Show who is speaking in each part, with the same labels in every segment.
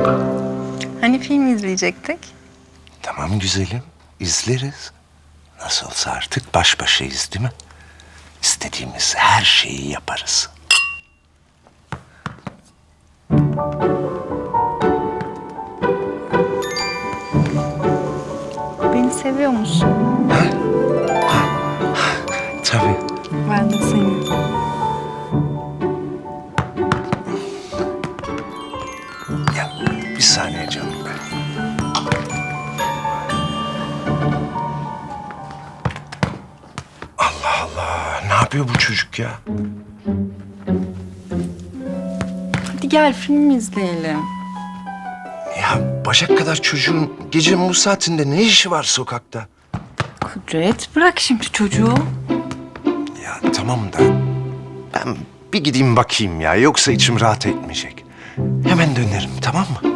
Speaker 1: Hani film izleyecektik?
Speaker 2: Tamam güzelim, izleriz. Nasıl olsa artık baş başayız değil mi? İstediğimiz her şeyi yaparız.
Speaker 1: Beni seviyor musun?
Speaker 2: Tabii.
Speaker 1: Ben de seni.
Speaker 2: Ya bir saniye canım be. Allah Allah, ne yapıyor bu çocuk ya?
Speaker 1: Hadi gel film izleyelim.
Speaker 2: Ya bacak kadar çocuğun gecenin bu saatinde ne işi var sokakta?
Speaker 1: Kudret bırak şimdi çocuğu.
Speaker 2: Ya tamam da ben bir gideyim bakayım ya, yoksa içim rahat etmeyecek. Hemen dönerim, tamam mı?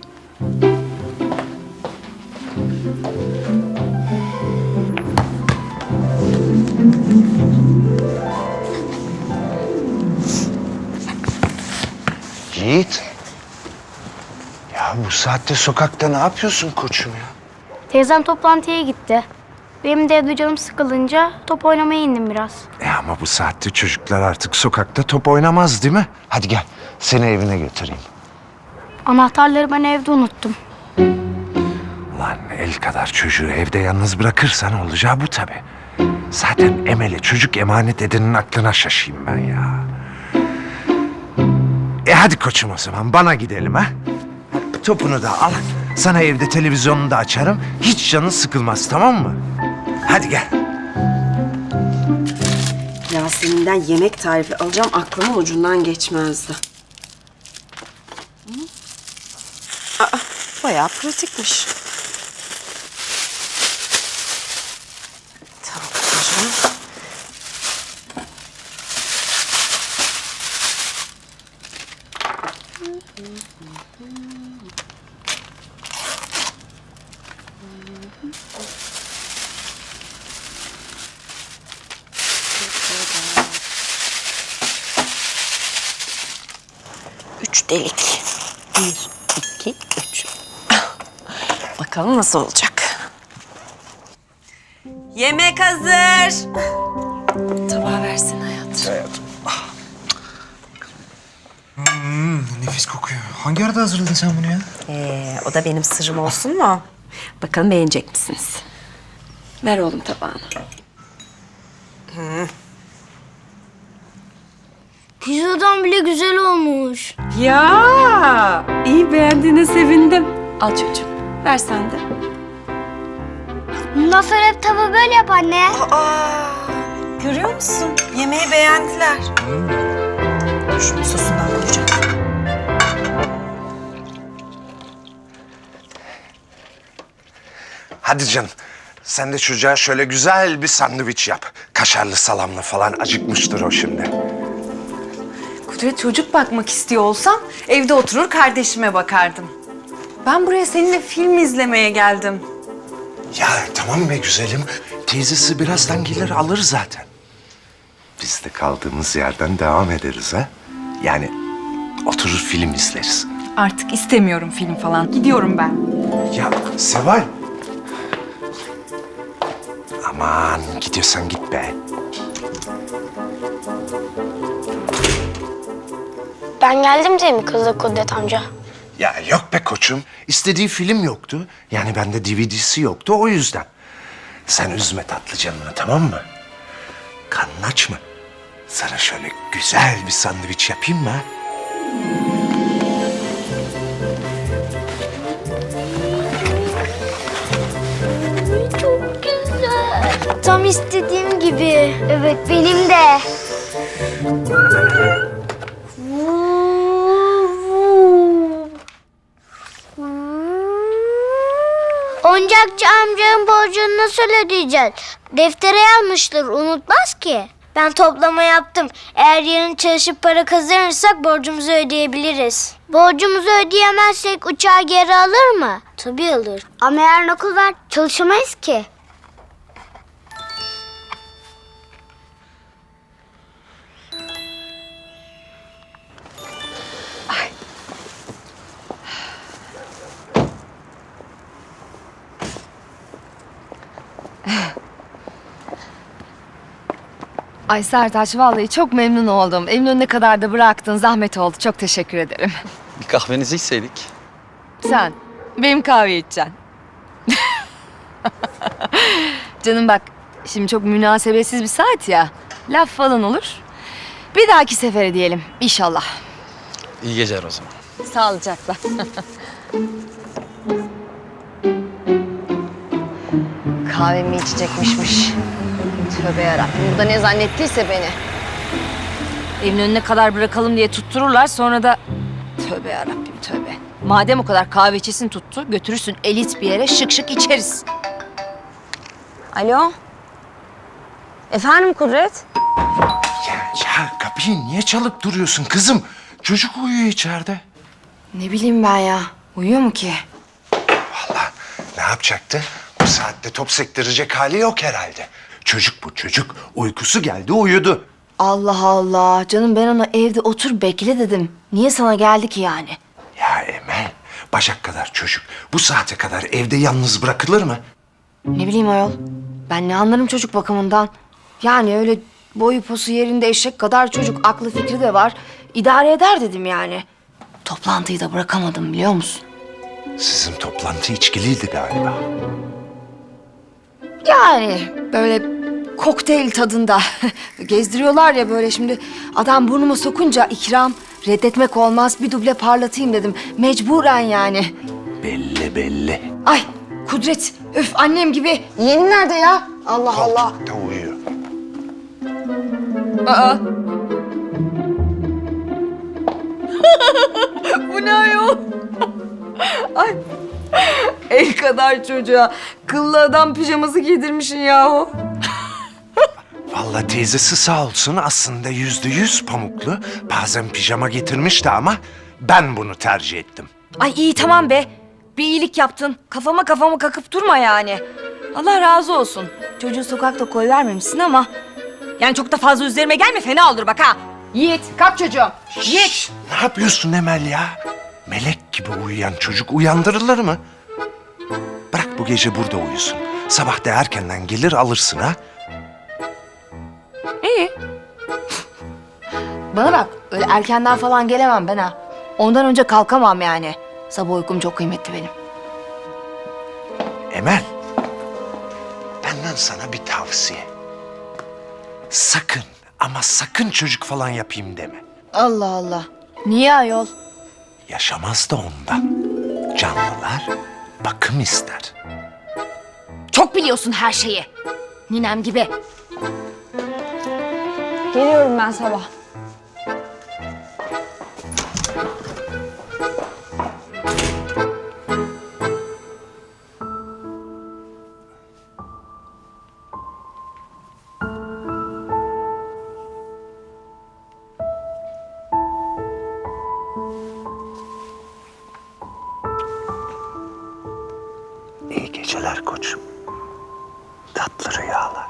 Speaker 2: Yiğit. Ya bu saatte sokakta ne yapıyorsun koçum ya?
Speaker 3: Teyzem toplantıya gitti. Benim de evde canım sıkılınca top oynamaya indim biraz.
Speaker 2: Ama bu saatte çocuklar artık sokakta top oynamaz değil mi? Hadi gel, seni evine götüreyim.
Speaker 3: Anahtarları ben evde unuttum.
Speaker 2: Lan el kadar çocuğu evde yalnız bırakırsan olacağı bu tabii. Zaten Emel'e çocuk emanet edenin aklına şaşayım ben ya. Hadi koçum o zaman bana gidelim ha. Topunu da al. Sana evde televizyonunu da açarım. Hiç canın sıkılmaz, tamam mı? Hadi gel.
Speaker 4: Yasemin'den yemek tarifi alacağım, aklımın ucundan geçmezdi. Aa, bayağı pratikmiş. Tamam hocam. Üç delik. 1, 2, 3. Bakalım nasıl olacak. Yemek hazır. Tabağı versin hayatım.
Speaker 5: Nefis kokuyor. Hangi arada hazırladın sen bunu ya?
Speaker 4: O da benim sırrım olsun mu? Bakalım beğenecek misiniz? Ver oğlum tabağını.
Speaker 3: Pizzadan bile güzel olmuş.
Speaker 4: Ya, iyi beğendiğine sevindim. Al çocuğum, ver sen de.
Speaker 3: Bundan sonra hep tava böyle yap anne.
Speaker 4: Görüyor musun? Yemeği beğendiler. Şunun sosundan koyacağım.
Speaker 2: Hadi canım. Sen de çocuğa şöyle güzel bir sandviç yap. Kaşarlı, salamlı falan, acıkmıştır o şimdi.
Speaker 1: Kudret çocuk bakmak istiyor olsam evde oturur kardeşime bakardım. Ben buraya seninle film izlemeye geldim.
Speaker 2: Ya tamam be güzelim. Teyzesi birazdan gelir alır zaten. Biz de kaldığımız yerden devam ederiz ha. Yani oturur film izleriz.
Speaker 1: Artık istemiyorum film falan. Gidiyorum ben.
Speaker 2: Ya Seval. Aman gidiyorsan git be.
Speaker 3: Ben geldim diye mi kızdı Kudret amca?
Speaker 2: Ya yok be koçum. İstediği film yoktu. Yani bende DVD'si yoktu o yüzden. Sen üzme tatlı canını, tamam mı? Karnın aç mı? Sana şöyle güzel bir sandviç yapayım mı ha?
Speaker 3: Çok güzel. Tam istediğim gibi. Evet benim de. Oyuncakçı amcanın borcunu nasıl ödeyeceğiz? Deftere yazmıştır, unutmaz ki. Ben toplama yaptım. Eğer yarın çalışıp para kazanırsak borcumuzu ödeyebiliriz. Borcumuzu ödeyemezsek uçağı geri alır mı? Tabii alır. Ama yarın okul var, çalışamayız ki.
Speaker 6: Ay Sertaç vallahi çok memnun oldum. Eminönü'ne kadar da bıraktın. Zahmet oldu. Çok teşekkür ederim.
Speaker 7: Bir kahvenizi içseydik.
Speaker 6: Sen benim kahve içeceksin. Canım bak şimdi çok münasebetsiz bir saat ya. Laf falan olur. Bir dahaki sefere diyelim inşallah.
Speaker 7: İyi geceler o zaman.
Speaker 6: Sağlıcakla. Kahvemi içecekmişmiş. Tövbe yarabbim. Burada ne zannettiyse beni. Evin önüne kadar bırakalım diye tuttururlar. Sonra da tövbe yarabbim tövbe. Madem o kadar kahve içesin tuttu, götürürsün elit bir yere şık şık içeriz. Alo? Efendim Kudret?
Speaker 2: Ya kapıyı niye çalıp duruyorsun kızım? Çocuk uyuyor içeride.
Speaker 6: Ne bileyim ben ya. Uyuyor mu ki?
Speaker 2: Vallahi ne yapacaktı? Bu saatte top sektirecek hali yok herhalde. Çocuk bu çocuk. Uykusu geldi uyudu.
Speaker 6: Allah Allah. Canım ben ona evde otur bekle dedim. Niye sana geldi ki yani?
Speaker 2: Ya Emel, bacak kadar çocuk. Bu saate kadar evde yalnız bırakılır mı?
Speaker 6: Ne bileyim ayol. Ben ne anlarım çocuk bakımından. Yani öyle boyu posu yerinde eşek kadar çocuk. Aklı fikri de var. İdare eder dedim yani. Toplantıyı da bırakamadım biliyor musun?
Speaker 2: Sizin toplantı içkiliydi galiba.
Speaker 6: Yani böyle kokteyl tadında. Gezdiriyorlar ya böyle şimdi. Adam burnuma sokunca ikram reddetmek olmaz. Bir duble parlatayım dedim. Mecburen yani.
Speaker 2: Belli belli.
Speaker 6: Ay Kudret. Öf annem gibi. Yeğenin nerede ya? Allah Allah.
Speaker 2: Koltukta uyuyor.
Speaker 6: Aa. Bu ne ayol? Ay. El kadar çocuğa kıllı adam pijaması giydirmişsin yahu.
Speaker 2: Vallahi teyzesi sağ olsun aslında %100 pamuklu. Bazen pijama getirmişti ama ben bunu tercih ettim.
Speaker 6: Ay iyi tamam be. Bir iyilik yaptın. Kafama kakıp durma yani. Allah razı olsun. Çocuğu sokakta koyvermemişsin ama... Yani çok da fazla üzerime gelme fena olur bak ha. Yiğit kalk çocuğum. Yiğit.
Speaker 2: Ne yapıyorsun Emel ya? Melek gibi uyuyan çocuk uyandırılır mı? Bırak bu gece burada uyusun. Sabah da erkenden gelir alırsın ha.
Speaker 6: İyi. Bana bak öyle erkenden falan gelemem ben ha. Ondan önce kalkamam yani. Sabah uykum çok kıymetli benim.
Speaker 2: Emel, benden sana bir tavsiye. Sakın ama sakın çocuk falan yapayım deme.
Speaker 6: Allah Allah. Niye ayol?
Speaker 2: Yaşamaz da ondan. Canlılar bakım ister.
Speaker 6: Çok biliyorsun her şeyi. Ninem gibi. Geliyorum ben sabah.
Speaker 2: İyi geceler koçum. Tatlı rüyalar.